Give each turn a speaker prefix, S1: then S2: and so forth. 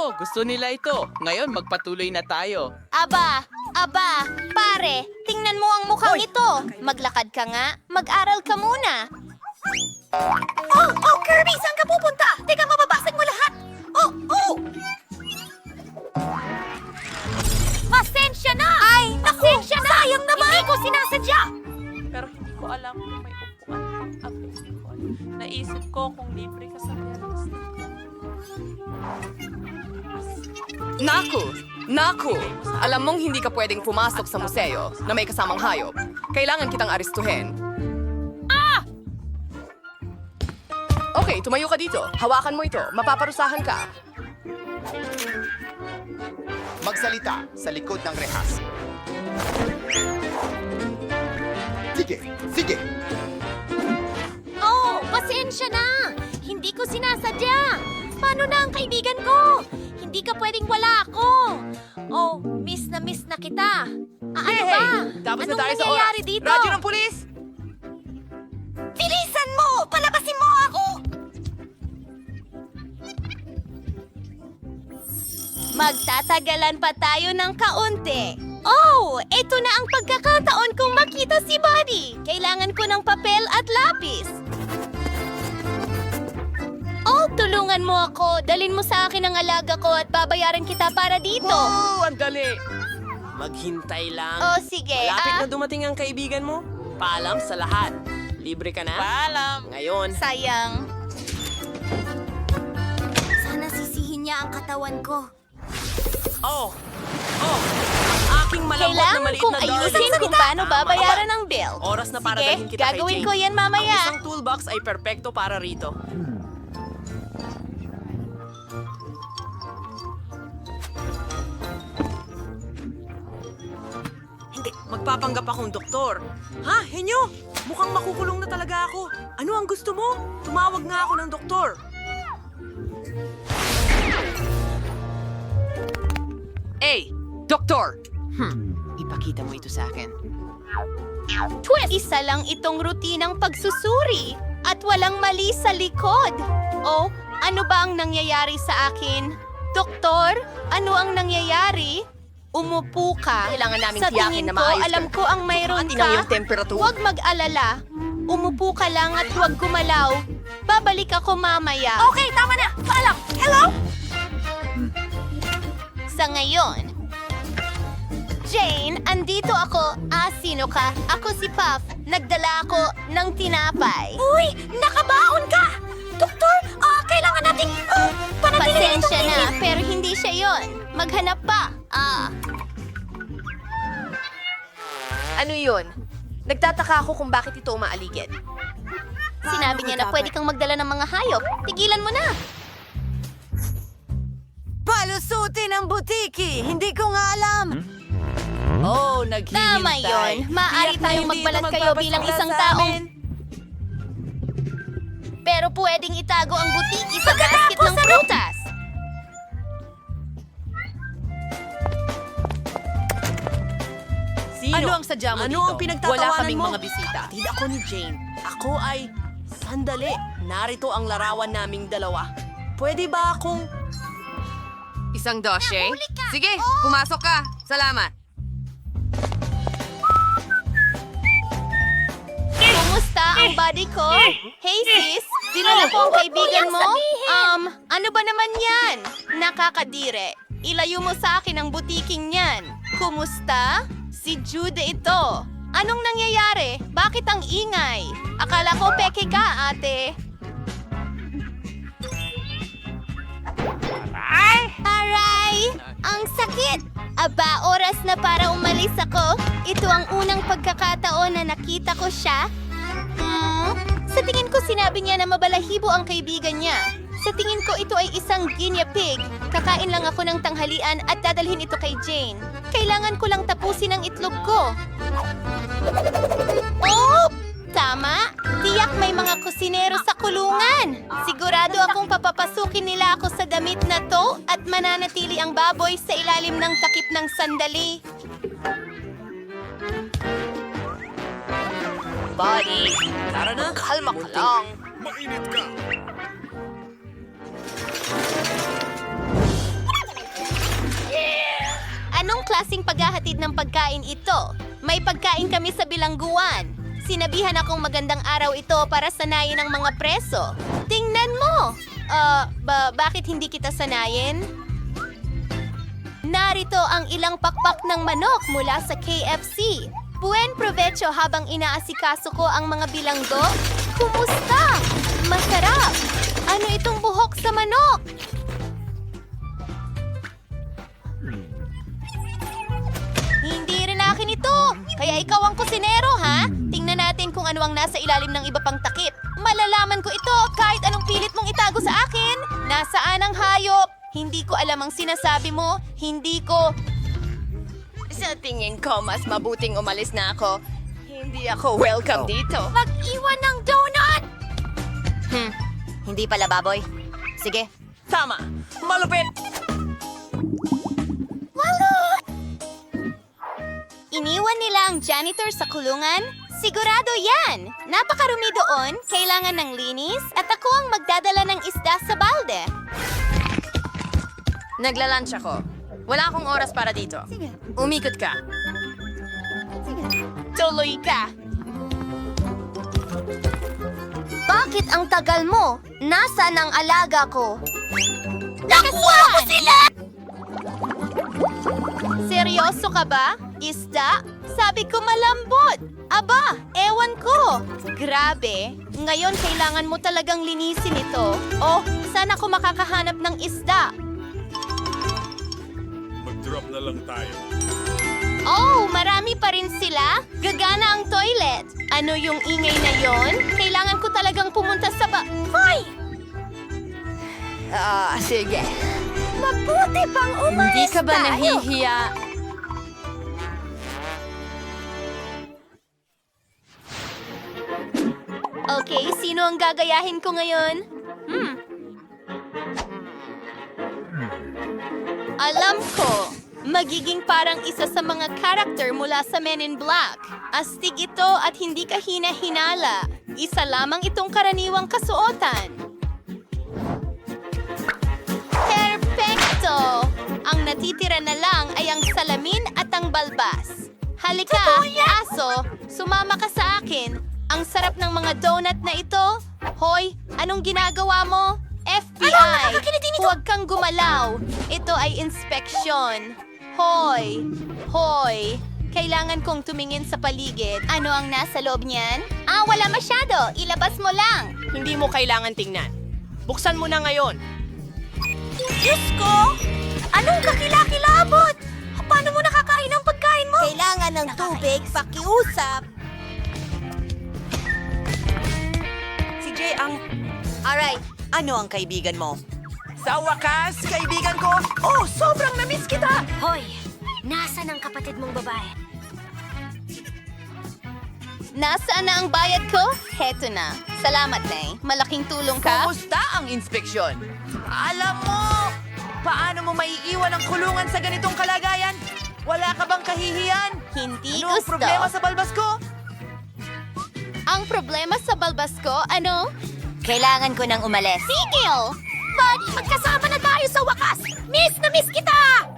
S1: gusto nila ito. Ngayon, magpatuloy na tayo.
S2: Aba, pare, tingnan mo ang mukhang ito. Maglakad ka nga, mag-aral ka muna. Oh, Kirby, saan ka pupunta? Teka, mababasag mo lahat. Oh! Pasensya na! Pasensya na! Sayang naman! Hindi ko sinasadya!
S3: Pero hindi ko alam kung may upuan pang available. Naisip ko kung libre ka sa Biyernes.
S4: Naku! Alam mong hindi ka pwedeng pumasok sa museo na may kasamang hayop. Kailangan kitang aristuhin. Okay, tumayo ka dito. Hawakan mo ito. Mapaparusahan ka.
S5: Magsalita sa likod ng rehas. Sige!
S2: Oh, pasensya na! Hindi ko sinasadya! Paano na ang kaibigan ko? Hindi ka pwedeng wala ako! Oh, miss na kita! Ano ba?
S4: Tapos na
S2: Anong
S4: tayo sa
S2: nangyayari
S4: oras.
S2: dito?
S4: Radyo ng pulis!
S2: Bilisan mo! Palabasin mo ako! Magtatagalan pa tayo ng kaunti. Oh, ito na ang pagkakataon kong makita si Buddy. Kailangan ko ng papel at lapis. Oh, tulungan mo ako. Dalin mo sa akin ang alaga ko at babayaran kita para dito.
S6: Wow! Ang dali! Maghintay lang.
S2: Oh, sige.
S6: Malapit na dumating ang kaibigan mo. Paalam sa lahat. Libre ka na?
S3: Paalam!
S6: Ngayon.
S2: Sayang. Sana sisihin niya ang katawan ko.
S6: Oh! Ang aking malambot na
S2: Kailangan
S6: maliit
S2: kong
S6: na
S2: ayusin kung paano babayaran ang bill.
S6: Oras na para
S2: Sige,
S6: dalhin kita kay
S2: gagawin
S6: Jane.
S2: ko yan
S6: Ang
S2: mamaya.
S6: isang toolbox ay perpekto para rito. Hindi, magpapanggap akong doktor. Ha, Henyo? Mukhang makukulong na talaga ako. Ano ang gusto mo? Tumawag nga ako ng doktor.
S4: Hey, doktor! Ipakita mo ito sa akin.
S2: Twist! Isa lang itong rutinang pagsusuri at walang mali sa likod. Oh, ano ba ang nangyayari sa akin? Doktor, ano ang nangyayari? Umupo ka.
S4: Kailangan naming
S2: Sa
S4: tiyakin
S2: tingin
S4: na
S2: ko,
S4: maayos ka.
S2: alam ko ang mayroon
S4: Atin ang
S2: ka.
S4: iyong temperatura.
S2: Huwag mag-alala. Umupo ka lang at huwag gumalaw. Babalik ako mamaya. Okay, tama na. Paalam. Hello? Sa ngayon, Jane, andito ako. Sino ka? Ako si Puff. Nagdala ako ng tinapay. Uy, nakabaon ka! Doktor, kailangan nating panatilihin. Pasensya na, pero hindi siya yon. Maghanap pa.
S4: Ano yun? Nagtataka ako kung bakit ito umaaligid.
S2: Sinabi niya na pwede kang magdala ng mga hayop. Tigilan mo na.
S7: Palusutin ang butiki! Hindi ko nga alam!
S6: Oh, naghihintay.
S2: Tama yon. Maaari tayong magbalat kayo bilang isang taong... Pero pwedeng itago ang butiki sa basket ng prutas.
S6: Sino?
S4: Ano ang sadya mo
S6: Ano
S4: dito?
S6: ang pinagtatawanan
S4: Wala kaming
S6: mo?
S4: mga bisita.
S6: Kapatid ako ni Jane. Ako ay... Sandali, narito ang larawan naming dalawa. Pwede ba akong...
S4: Isang dosye? Sige, pumasok ka. Salamat.
S2: Kumusta ang body ko? Hey sis, dinala ko ang kaibigan mo? Ano ba naman yan? Nakakadire. Ilayo mo sa akin ang butiking yan. Kumusta? Si Jude ito. Anong nangyayari? Bakit ang ingay? Akala ko peke ka, ate. Aray! Ang sakit! Aba, oras na para umalis ako. Ito ang unang pagkakataon na nakita ko siya. Sa tingin ko sinabi niya na mabalahibo ang kaibigan niya. Sa tingin ko ito ay isang guinea pig. Kakain lang ako ng tanghalian at dadalhin ito kay Jane. Kailangan ko lang tapusin ang itlog ko. Oh! Tama! Tiyak may mga kusinero sa kulungan! Sigurado akong papapasukin nila ako sa damit na to at mananatili ang baboy sa ilalim ng takip ng sandali.
S4: Buddy,
S6: Tara na.
S4: kalma ka lang.
S2: klaseng paghahatid ng pagkain ito? May pagkain kami sa bilangguan. Sinabihan akong magandang araw ito para sanayin ang mga preso. Tingnan mo! Bakit hindi kita sanayin? Narito ang ilang pakpak ng manok mula sa KFC. Buen provecho habang inaasikaso ko ang mga bilanggo. Kumusta? Masarap! Ano itong buhok sa manok? Hindi rin akin ito. Kaya ikaw ang kusinero, ha? Tingnan natin kung ano ang nasa ilalim ng iba pang takip. Malalaman ko ito kahit anong pilit mong itago sa akin. Nasaan ang hayop? Hindi ko alam ang sinasabi mo. Hindi ko...
S4: Sa tingin ko, mas mabuting umalis na ako. Hindi ako welcome dito.
S2: Mag-iwan ng donut!
S7: Hindi pala, baboy. Sige.
S6: Tama. Malupit.
S2: Iniwan nila ang janitor sa kulungan? Sigurado yan! Napakarumi doon, kailangan ng linis, at ako ang magdadala ng isda sa balde.
S4: Naglalunch ako. Wala akong oras para dito. Umikot ka.
S2: Tuloy ka! Bakit ang tagal mo? Nasaan ang alaga ko? Nakuha ko sila! Seryoso ka ba? Isda? Sabi ko malambot. Aba, ewan ko. Grabe. Ngayon kailangan mo talagang linisin ito. Oh, saan ako makakahanap ng isda?
S8: Mag-drop na lang tayo.
S2: Oh, marami pa rin sila? Gagana ang toilet. Ano yung ingay na yon? Kailangan ko talagang pumunta sa Hoy!
S4: Sige.
S2: Mabuti pang umalis
S4: Hindi ka ba
S2: tayo.
S4: nahihiya?
S2: Okay, sino ang gagayahin ko ngayon? Alam ko, magiging parang isa sa mga karakter mula sa Men in Black. Astig ito at hindi ka hina-hinala. Isa lamang itong karaniwang kasuotan. Perfecto! Ang natitira na lang ay ang salamin at ang balbas. Halika, aso, sumama ka sa akin. Ang sarap ng mga donut na ito. Hoy, anong ginagawa mo? FBI! Huwag kang gumalaw. Ito ay inspeksyon. Hoy! Hoy! Kailangan kong tumingin sa paligid. Ano ang nasa loob niyan? Wala masyado. Ilabas mo lang.
S6: Hindi mo kailangan tingnan. Buksan mo na ngayon.
S2: Diyos ko! Anong kakilakilabot? Paano mo nakakain ang pagkain mo? Kailangan ng tubig, pakiusap.
S6: Si Jay ang...
S7: Alright, ano ang kaibigan mo?
S6: Sa wakas, kaibigan ko! Oh, sobrang na-miss kita!
S2: Hoy! Nasaan ang kapatid mong babae? Nasaan na ang bayad ko? Heto na. Salamat, Nay. Malaking tulong ka.
S6: Kumusta ang inspeksyon? Alam mo, paano mo maiiwan ang kulungan sa ganitong kalagayan? Wala ka bang kahihiyan?
S2: Hindi
S6: Ano ang
S2: gusto.
S6: problema sa balbas ko?
S2: Ang problema sa balbas ko, ano?
S7: Kailangan ko nang umalis.
S2: Tigil! But magkasama na tayo sa wakas! Miss na miss kita!